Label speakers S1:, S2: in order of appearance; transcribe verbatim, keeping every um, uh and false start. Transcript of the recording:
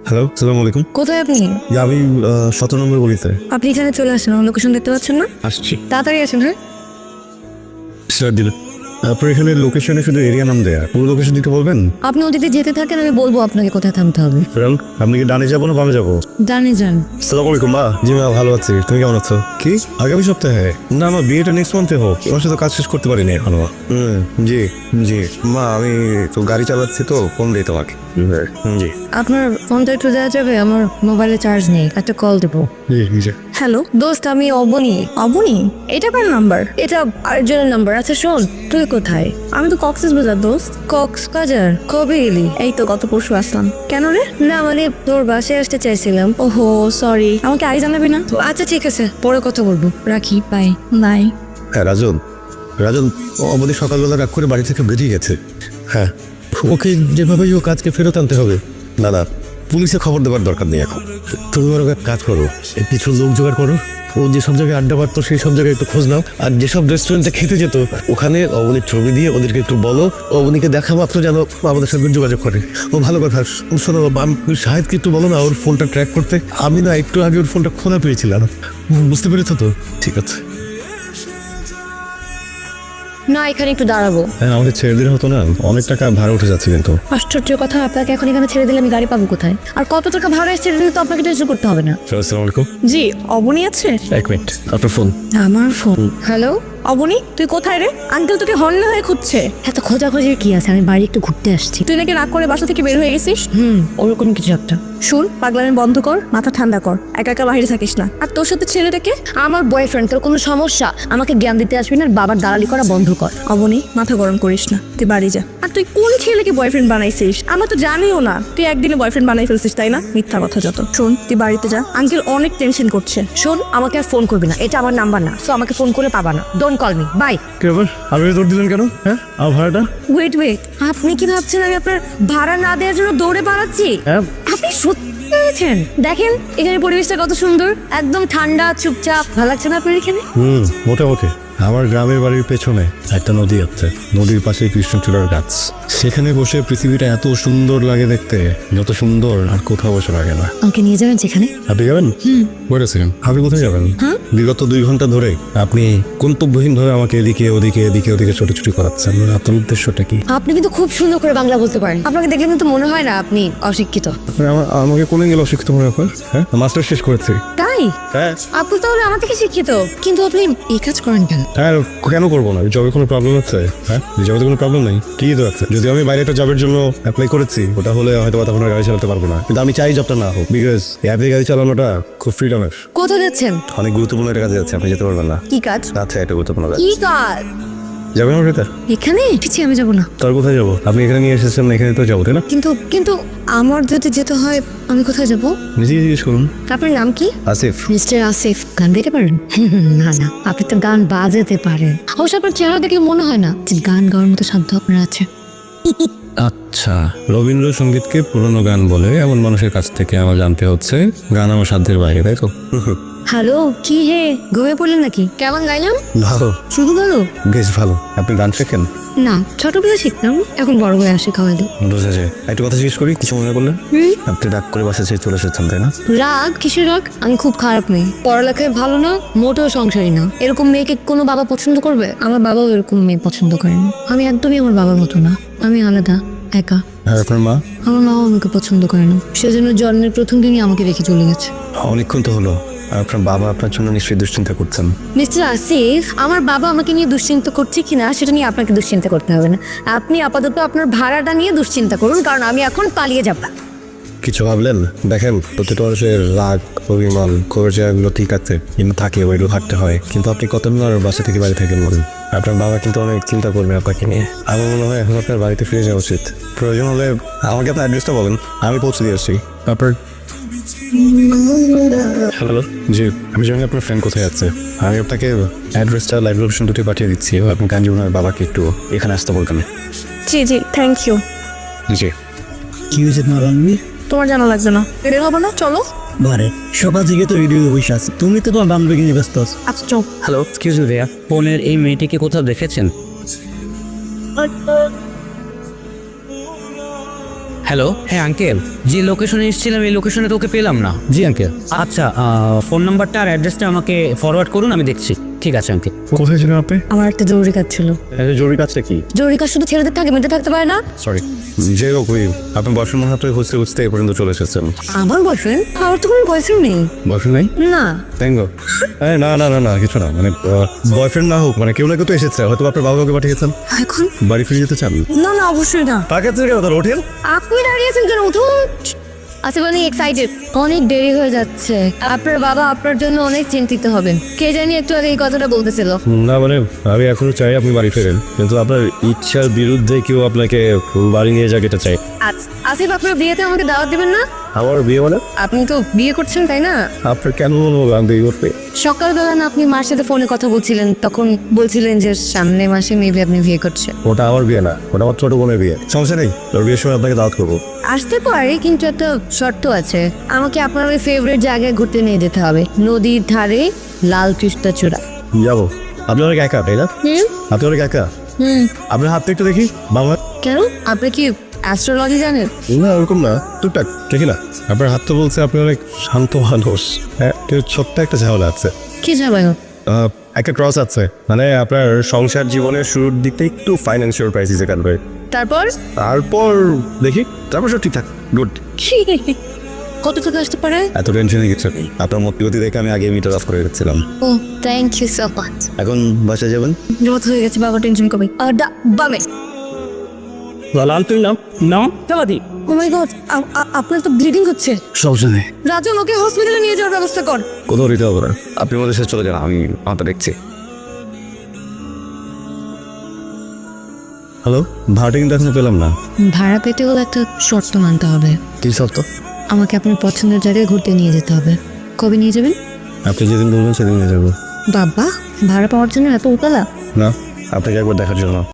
S1: Hello, আসসালামু আলাইকুম।
S2: কোথায় আপনি?
S1: আমি সতেরো নম্বর গলিতে।
S2: আপনি এখানে চলে আসেন, আমার লোকেশন দেখতে পাচ্ছেন না?
S1: আসছি
S2: তাড়াতাড়ি আসেন। হ্যাঁ,
S1: স্যার দিল। আপনার এখানে লোকেশনে শুধু এরিয়া নাম দেয়া, পুরো লোকেশন দিতে বলবেন?
S2: আপনি ওদিকে যেতে থাকেন, আমি বলবো আপনাকে কোথায় থামতে হবে।
S1: ফেরাল, আপনি কি ডানে যাবো না বামে যাবো?
S2: ডানে যান।
S1: আসসালামু আলাইকুম মা। জি মা, ভালো আছি, তুমি কেমন আছো? কি আগামী সপ্তাহে? না মা, বিয়েটা নেক্সট মান্থে হোক, এবার সাথে কাজ শেষ করতে পারিনি এখনো। হুম, জি জি মা, আমি তো গাড়ি চালাচ্ছি তো ফোন দিই তোমাকে। জি
S2: আপনার ফোনটা একটু দেওয়া যাবে? আমার মোবাইলে চার্জ নেই, একটা কল দেবো।
S1: জি জি।
S2: হ্যালো দোস্ত, আমি অবনী। অবনী? এটা কার নাম্বার? এটা আরেকজনের নাম্বার। আচ্ছা শোন, তুই কোথায়? আমি তো কক্সবাজার দোস্ত। কক্সবাজার? কবে এলি? এই তো গত পরশু আসলাম। কেন রে? না মানে তোর বাসায় আসতে চাইছিলাম। ওহো সরি, আমাকে আগে জানাবি না? আচ্ছা ঠিক আছে, পরে কথা বলবো, রাখি, বাই। বাই।
S1: হ্যাঁ রাজন, রাজন আমাদের সকালবেলা রাগ করে বাড়ি থেকে বেরিয়ে গেছে। হ্যাঁ, ওকে যেভাবেই ও কাজকে ফেরত আনতে হবে। না না, পুলিশে খবর দেওয়ার দরকার নেই এখন। তুমি বরং এক কাজ করো, এর কিছু লোক জোগাড় করো, ও যেসব জায়গায় আড্ডা মারতো সেই সব জায়গায় একটু খোঁজ নাও, আর যেসব রেস্টুরেন্টে খেতে যেত ওখানে অবনীর ছবি দিয়ে ওদেরকে একটু বলো, অবনীকে দেখা মাত্র যেন আমাদের সাথে যোগাযোগ করে। ও ভালো কথা। শোনো, শাহেদকে একটু বলো না ওর ফোনটা ট্র্যাক করতে। আমি না একটু আগে ওর ফোনটা খোলা পেয়েছিলাম, বুঝতে পেরেছো তো? ঠিক আছে।
S2: না, এখানে একটু দাঁড়াবো।
S1: হ্যাঁ, আমাকে ছেড়ে দিলে হতো না, অনেক টাকা ভাড়া উঠে যাচ্ছে কিন্তু।
S2: আশ্চর্য কথা, আপনাকে এখন এখানে ছেড়ে দিলে আমি গাড়ি পাবো কোথায়? আর কত টাকা ভাড়া ছেড়ে দিলে তো আপনাকে টেনশন করতে হবে না।
S1: আসসালামু আলাইকুম।
S2: জি, অবনী আছে?
S1: এক মিনিট, আপনার ফোন।
S2: আমার ফোন। হ্যালো অবনী, তুই কোথায় রে? আঙ্কেল তোকে হর্ন হয়ে খুঁজছে। এত খোঁজাখুঁজির কি আছে, আমি বাড়ি একটু ঘুরতে আসছি। তুই নাকি রাগ করে বাসা থেকে বের হয়ে গেছিস? হুম, ওরকম কিছু একটা। শুন, পাগলামি বন্ধ কর, মাথা ঠান্ডা কর, একা একা বাইরে থাকিস না। আর তোর সাথে ছেলেটাকে? আমার বয়ফ্রেন্ড। তোর কোনো সমস্যা? আমাকে জ্ঞান দিতে আসবি না, বাবার দালালি করা বন্ধ কর। অবনী, মাথা গরম করিস না, তুই বাড়ি যা। আর তুই কোন ছেলেকে বয়ফ্রেন্ড বানাইছিস? আমরা তো জানিও না তুই একদিনে বয়ফ্রেন্ড বানাই ফেলছিস, তাই না? মিথ্যা কথা যত। শোন, তুই বাড়িতে যা, আঙ্কেল অনেক টেনশন করছে। শোন, আমাকে আর ফোন করবি না, এটা আমার নাম্বার না, সো আমাকে ফোন করে পাবা না। Don't call me, bye.
S1: কি ব্যাপার, আপনি দৌড় দিলেন কেন? হ্যাঁ, আমার ভাড়াটা?
S2: ওয়েট ওয়েট, আপনি কি ভাবছেন আমি আপনার ভাড়া না দেওয়ার জন্য দৌড়ে পালাচ্ছি?
S1: হ্যাঁ।
S2: আপনি সত্যি ভেবেছেন? দেখেন এখানে পরিবেশটা কত সুন্দর, একদম ঠান্ডা, চুপচাপ। ভালো লাগছে না আপনার এখানে?
S1: হুম, মোটামুটি। আমার গ্রামের বাড়ির পেছনে একটা নদী আছে, নদীর পাশে কৃষ্ণচূড়ার গাছ। সেখানে বসে পৃথিবীটা এত সুন্দর লাগে দেখতে, যত সুন্দর আর কোথাও বসে লাগে না।
S2: আমাকে নিয়ে যাবেন সেখানে?
S1: আপনি যাবেন? হুম। ওয়েট আ সেকেন্ড, আপনি কোথায় যাবেন? বিগত দুই ঘন্টা ধরে আপনি গন্তব্যহীন ভাবে আমাকে এদিকে ওদিকে এদিকে ওদিকে ছোটাছুটি করাচ্ছেন, আপনার উদ্দেশ্যটা কি?
S2: আপনি কিন্তু খুব সুন্দর করে বাংলা বলতে পারেন, আপনাকে দেখলে কিন্তু মনে হয় না আপনি অশিক্ষিত।
S1: আমা- আমাকে কোনে গেলে অশিক্ষিত মনে হয়? হ্যাঁ, মাস্টার শেষ করেছি।
S2: তাই?
S1: হ্যাঁ।
S2: আপনি তাহলে আমার থেকে শিক্ষিত, কিন্তু আপনি এই কাজ করেন কেন?
S1: হ্যাঁ, কেন করবো না? জবে কোনো প্রবলেম আছে? হ্যাঁ, জবে কোনো প্রবলেম নেই, ঠিকই তো আছে। যদি আমি বাইরে একটা জবের জন্য অ্যাপ্লাই করেছি, ওটা হলে হয়তো বা তখন আর গাড়ি চালাতে পারবো না, কিন্তু আমি চাই জবটা না হোক, বিকজ অ্যাপে গাড়ি চালানোটা খুব ফ্রিডমের।
S2: কোথায় যাচ্ছেন?
S1: অনেক গুরুত্বপূর্ণ একটা কাজে যাচ্ছে, আপনি যেতে পারবেন না।
S2: কি কাজ?
S1: আচ্ছা, একটা গুরুত্বপূর্ণ কাজ।
S2: কি কাজ?
S1: যাবেন আমার সাথে?
S2: এখানে? পিছিয়ে আমি যাবো না।
S1: তার কোথায় যাবো? আপনি এখানে নিয়ে এসেছেন, এখানে তো যাবো, তাই না?
S2: কিন্তু কিন্তু আমার যদি যেতে হয়, আমি কোথায় যাব?
S1: নিজেই জিজ্ঞেস করুন।
S2: আপনার নাম কি?
S1: আসিফ।
S2: মিস্টার আসিফ, গান গাইতে পারেন? না না, আপনি তো গান বাজাতে পারেন। অবশ্য আপনার চেহারা দেখলে মনে হয় না যে গান গাওয়ার মতো সাধ্য আপনার আছে।
S1: আচ্ছা, রবীন্দ্রসঙ্গীতকে পুরনো গান বলে এমন মানুষের কাছ থেকে আমার জানতে হচ্ছে গান আমার সাধ্যের বাইরে, তাই তো?
S2: হ্যালো, কি হে, ঘুমিয়ে পড়লেন নাকি? কেমন গাইলাম?
S1: ভালো,
S2: শুধু ভালো?
S1: বেশ ভালো। আপনি গান শেখেন?
S2: না, ছোটবেলায় শিখতাম, এখন বড় হয়ে আসে খাওয়াইলে।
S1: বুঝা যায়। একটু কথা জিজ্ঞেস করি, কিছু মনে করলেন?
S2: হুম।
S1: আপনি রাগ করে বাসা ছেড়ে চলে এসেছেন, তাই না?
S2: রাগ? কিসের রাগ? আমি খুব খারাপ মেয়ে, পড়ালেখায় ভালো না, মোটেও সংসারী না। এরকম মেয়েকে কোনো বাবা পছন্দ করবে? আমার বাবাও এরকম মেয়ে পছন্দ করেন। আমি একদমই আমার বাবার মতো না, আমি আলাদা, একা।
S1: আর আপনার মা?
S2: আমার মাও আমাকে পছন্দ করে না, সেজন্য জন্মের প্রথম দিনই আমাকে রেখে চলে গেছে।
S1: অনেকক্ষণ তো হলো। আর আপনার বাবা আপনার জন্য নিশ্চয়ই দুশ্চিন্তা করছেন।
S2: মিস্টার আসিফ, আমার বাবা আমাকে নিয়ে দুশ্চিন্তা করছে কিনা সেটা নিয়ে আপনাকে দুশ্চিন্তা করতে হবে না। আপনি আপাতত আপনার ভাড়াটা নিয়ে দুশ্চিন্তা করুন, কারণ আমি এখন পালিয়ে যাব।
S1: কিছু ভাবলেন? দেখেন, প্রতিটা মানুষের রাগ, অভিমান, ক্ষোভের জায়গাগুলো ঠিক আছে, কিন্তু থাকে, ওইগুলো থাকতে হয়। কিন্তু আপনি কতদিন আর বাসা থেকে বাড়ি থেকে বলুন? আপনার বাবা কিন্তু অনেক চিন্তা করবে আপনাকে নিয়ে। আমার মনে হয় এখন আপনার বাড়িতে ফিরে যাওয়া উচিত। প্রয়োজন হলে আমাকে আপনার অ্যাড্রেসটা বলেন, আমি পৌঁছে দিয়ে আসছি। তারপর হ্যালো, জি, আমি জানি আপনার ফ্রেন্ড কোথায় আছে। আমি আপনাকে অ্যাড্রেসটা লাইভ লোকেশন দুটি পাঠিয়ে দিচ্ছি, আপনি কাঞ্জিবনের বাবাকে একটু এখানে আসতে বলতেন।
S2: জি জি, থ্যাংক ইউ।
S1: জি।
S3: কি হয়েছে তোমার বান্ধবী?
S2: তোমার জানা লাগবে না, বের হবে না, চলো।
S3: ঘরে সকাল থেকে তো রেডিও বসে আছে, তুমি তো তোমার বান্ধবীকে নিয়ে ব্যস্ত আছো।
S2: আচ্ছা চল।
S4: হ্যালো, এক্সকিউজ মি ভাইয়া, ফোনের এই মেয়েটিকে কোথাও দেখেছেন? হ্যালো, হ্যাঁ আঙ্কেল, যে লোকেশনে এসেছিলাম এই লোকেশনে তো ওকে পেলাম না। জি আঙ্কেল। আচ্ছা, ফোন নাম্বারটা আর অ্যাড্রেসটা আমাকে ফরওয়ার্ড করুন, আমি দেখছি। ঠিক আছে আঙ্কেল।
S1: কোথায় ছিলেন আপনি?
S2: আমার একটা জরুরি কাজ ছিল।
S1: জরুরি কাজটা কি?
S2: জরুরি কাজ শুধু ছেলেদের থাকে, মেয়েদের থাকতে পারে না।
S1: সরি, যে রকমই আপনার বয়ফ্রেন্ড মনে হয় খুঁজতে খুঁজতে এই পর্যন্ত চলে এসেছেন।
S2: আমার বয়ফ্রেন্ড? আমার তো কোনো বয়ফ্রেন্ড নেই।
S1: বয়ফ্রেন্ড নাই?
S2: না।
S1: Thank God. না না না না কিছু না, মানে বয়ফ্রেন্ড না হোক, মানে কেউ না কেউ তো এসেছে, হয়তো আপনার বাবা কাউকে পাঠিয়েছেন।
S2: এখন?
S1: বাড়ি ফিরে যেতে চান?
S2: না না, অবশ্যই না।
S1: পাকে থেকে কথা ওঠেন।
S2: আপনি দাঁড়িয়েছেন কেন? উঠুন। আচ্ছা, মানে এক্সাইটেড, অনেক দেরি হয়ে যাচ্ছে। আপনার বাবা আপনার জন্য অনেক চিন্তিত হবেন। কে জানি একটু আগে এই কথাটা বলতেছিল।
S1: না মানে আমি এখনো চাই আপনি বাড়ি ফেরেন, কিন্তু আপনার ইচ্ছার বিরুদ্ধে কেউ আপনাকে বাড়ি নিয়ে যাক এটা চাই।
S2: আচ্ছা, আসিফ, আপনার বিয়েতে আমাকে দাওয়াত দিবেন না?
S1: আমার বিয়ে মানে?
S2: আপনি তো বিয়ে করছেন, তাই না?
S1: আপনার কেন মনে হলো আমি বিয়ে করতে?
S2: সকালবেলা না আপনি মার সাথে ফোনে কথা বলছিলেন, তখন বলছিলেন যে সামনে মাসে মেবি আপনি বিয়ে করছেন।
S1: ওটা আমার বিয়ে না, ওটা আমার ছোট বোনের বিয়ে। সমস্যা নেই, ওর বিয়ের সময় আপনাকে দাওয়াত করবো।
S2: আসতে পারে, কিন্তু একটা শর্ত আছে। আমাকে আপনার ওই ফেভারিট জায়গায় ঘুরতে নিয়ে যেতে হবে, নদীর ধারে লাল কৃষ্ণচূড়া।
S1: যাবো। আপনি অনেক একা, তাই না?
S2: হুম
S1: আপনি অনেক একা।
S2: হুম
S1: আপনার হাতটা একটু দেখি বাবা।
S2: কেন? আপনি কি অ্যাস্ট্রোলজি জানেন?
S1: না ওরকম না, টুকটাক দেখি না। আপনার হাত তো বলছে আপনি অনেক শান্ত মানুষ। হ্যাঁ, কিন্তু ছোট্ট একটা ঝামেলা আছে।
S2: কি যাবেন?
S1: আহ, একটা ক্রস আছে, মানে আপনার সংসার জীবনের শুরুর দিকটা একটু ফাইন্যান্সিয়াল ক্রাইসিসে কাটবে।
S2: তারপর?
S1: তারপর দেখি, তারপর সব ঠিকঠাক, গুড।
S2: কত থেকে আসতে পারে?
S1: এত টেনশনে কিছু নেই, আপনার মতিগতি দেখে আমি আগে মিটার অফ করে রেখেছিলাম।
S2: ও, থ্যাংক ইউ সো মাচ।
S1: এখন বাসায় যাবেন?
S2: জমা হয়ে গেছে, বাবা টেনশন কবে? আর দা বামে।
S3: লাল তুই নাম নাম চালা দি।
S2: ও মাই গড, আপনার তো ব্লিডিং হচ্ছে।
S1: সমস্যা নেই,
S2: রাজু, ওকে হসপিটালে নিয়ে যাওয়ার ব্যবস্থা কর।
S1: কোথাও দিতে হবে না, আপনি আমাদের সাথে চলে যান, আমি আমাদের দেখছি। হ্যালো, ভাড়াটা কিন্তু এখনো পেলাম না।
S2: ভাড়া পেতে হলে একটা শর্ত মানতে হবে।
S1: কি শর্ত?
S2: আমাকে আপনার পছন্দের জায়গায় ঘুরতে নিয়ে যেতে হবে। কবে নিয়ে যাবেন?
S1: আপনি যেদিন বলবেন সেদিন নিয়ে যাবো।
S2: বাবা, ভাড়া পাওয়ার জন্য এত উতলা?
S1: না, আপনাকে একবার দেখার জন্য।